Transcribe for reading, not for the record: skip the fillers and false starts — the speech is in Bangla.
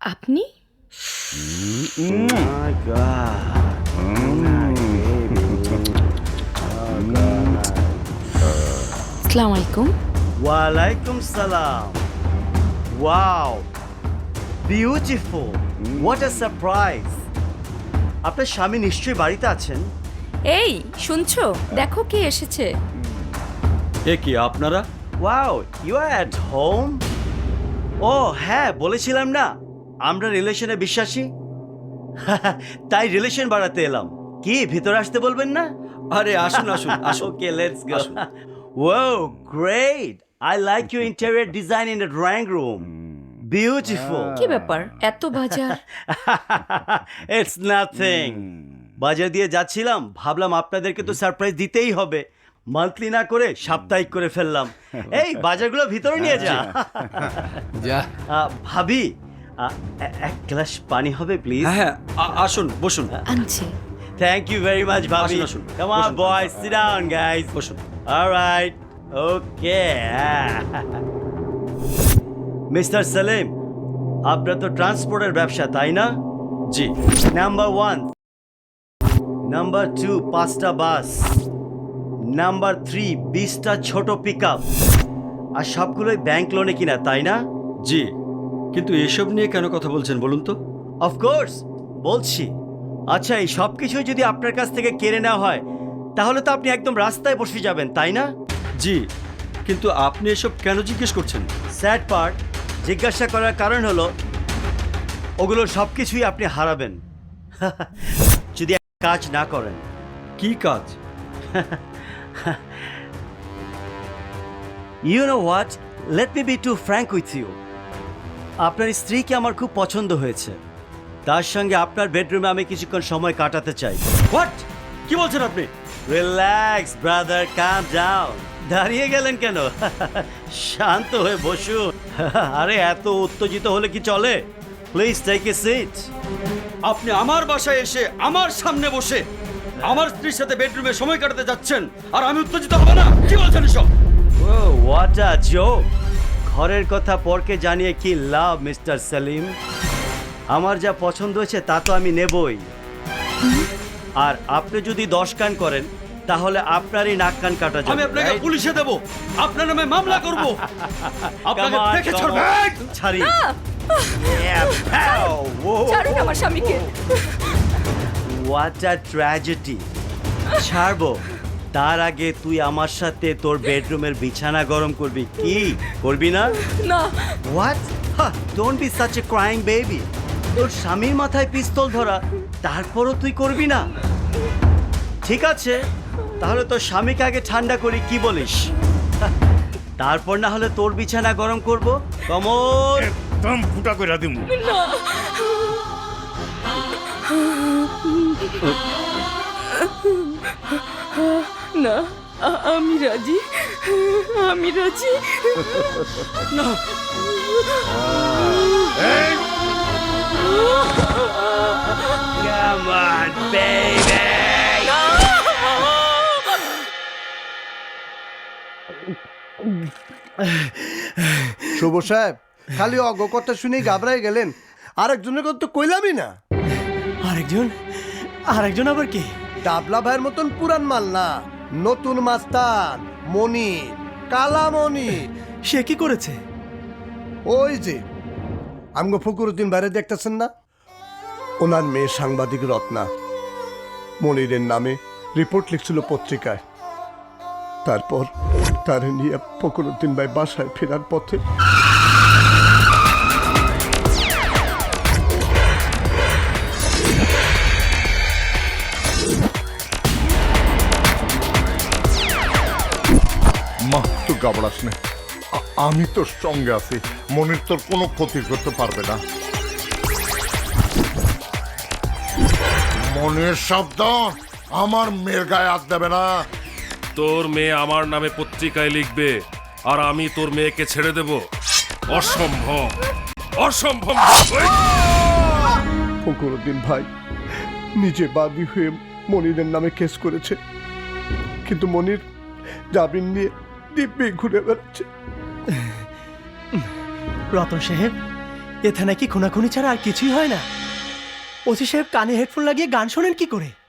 আপনি? My God. আসসালামু আলাইকুম। Walaikum salam. Wow. Beautiful. What a surprise. আপনার স্বামী নিশ্চয়ই বাড়িতে আছেন। এই শুনছো, দেখো কে এসেছে। এ কি আপনারা? Wow, you are at home? ও হ্যাঁ, বলেছিলাম না আমরা রিলেশনে বিশ্বাসী। তাই রিলেশন বাড়াতে এলাম। কি ভিতরে আসতে বলবেন না? আরে আসুন আসুন আসুন। Okay, let's go. Whoa, great. I like your interior design in the drawing room. Beautiful. কি ব্যাপার, এত বাজার? It's nothing. বাজার দিয়ে যাচ্ছিলাম, ভাবলাম আপনাদেরকে তো সারপ্রাইজ দিতেই হবে। মান্থলি না করে সাপ্তাহিক করে ফেললাম। এই বাজারগুলো ভিতরে নিয়ে যা। যা ভাবি, এক গ্লাস পানি হবে প্লিজ? হ্যাঁ হ্যাঁ আসুন বসুন। আনছি। Thank you very much, ভাবি। আসুন, আসুন। Come on, বসুন। boys, sit down, guys. বসুন। All right. Okay. Mister Selim, আপনার তো ট্রান্সপোর্টের ব্যবসা, তাই না? জি। নাম্বার 1, নাম্বার 2 5টা বাস, নাম্বার 3 20টা ছোট পিকআপ, আর সবগুলোই ব্যাংক লোনে কিনা, তাই না? জি, কিন্তু এসব নিয়ে কেন কথা বলছেন বলুন তো? অফকোর্স বলছি। আচ্ছা, এই সব কিছুই যদি আপনার কাছ থেকে কেড়ে নেওয়া হয় তাহলে তো আপনি একদম রাস্তায় বসে যাবেন, তাই না? জি, কিন্তু আপনি এসব কেন জিজ্ঞেস করছেন? স্যাড পার্ট, জিজ্ঞাসা করার কারণ হলো ওগুলোর সব কিছুই আপনি হারাবেন যদি কাজ না করেন। কি কাজ? You know what, let me be too frank with you. আপনার স্ত্রীকে আমার খুব পছন্দ হয়েছে। তার সঙ্গে আপনার বেডরুমে আমি কিছুক্ষণ সময় কাটাতে চাই। হোয়াট? কি বলছেন আপনি? Relax brother, calm down. দাঁড়িয়ে গেলেন কেন? শান্ত হয়ে বসুন। আরে এত উত্তেজিত হলে কি চলে? Please take a seat. আপনি আমার বাসায় এসে আমার সামনে বসে আমার স্ত্রীর সাথে বেডরুমে সময় কাটাতে যাচ্ছেন আর আমি উত্তেজিত হব না? কি বলছেন এসব? Oh what a joke. ঘরের কথা পরকে জানিয়ে কি লাভ মিস্টার সেলিম? আমার যা পছন্দ হয়েছে তা তো আমি নেবই। আর আপনি যদি 10 কান করেন তাহলে আপনারই নাক কান কাটা যাবে। আমি আপনাকে right? পুলিশে দেব, আপনার নামে মামলা করব। আপনাকে Come on, দেখে come ছাড়ব। on. ছাড়ি। Yeah, pow. Whoa. ছাড়ুন আমার স্বামীকে। What a tragedy. ছাড়বো, তার আগে তুই আমার সাথে তোর বেডরুমের বিছানা গরম করবি। কি করবি না? না। What? Don't be such a crying baby. তোর স্বামীর মাথায় পিস্তল ধরা, তারপরও তুই করবি না? ঠিক আছে, তাহলে তোর স্বামীকে আগে ঠান্ডা করি, কি বলিস? তারপর না হলে তোর বিছানা গরম করব। কমর একদম ফুটা করে দিমু। না, আমি রাজি, আমি রাজি। না, এই, Come on, baby. শুভ সাহেব, খালি অজ্ঞ কথা শুনেই ঘাবড়াই গেলেন। আরেকজনের কথা তো কইলামই না। আরেকজন আবার কি? ডাবলা ভাইয়ের মতন পুরান মাল না, নতুন মাস্তান মনির, কালা মনির। সে কি করেছে? ওই যে আমগো ফকরুদ্দিন বাইরে দেখতেছেন না, ওনার মেয়ে সাংবাদিক রত্না মনিরের নামে রিপোর্ট লিখছিল পত্রিকায়। তারপর তার নিয়ে ফকরুদ্দিন ভাই বাসায় ফেরার পথে মা তুই ঘাবড়াস না, আমি তোর সঙ্গে আছি। মনির তোর কোনো ক্ষতি করতে পারবে না। মনের শব্দ আমার মেয়ের গায়ে হাত দেবে না। তোর মেয়ে আমার নামে পত্রিকায় লিখবে আর আমি তোর মেয়েকে ছেড়ে দেব? অসম্ভব, অসম্ভব। ফকরুদ্দিন ভাই নিজে বাদী হয়ে মনিরের নামে কেস করেছে, কিন্তু মনির জামিন নিয়ে দিব্যি ঘুরে বেড়াচ্ছে। রতন সাহেব, এ থানায় কি খুনাখুনি ছাড়া আর কিছুই হয় না? ওসি সাহেব কানে হেডফোন লাগিয়ে গান শোনেন কি করে?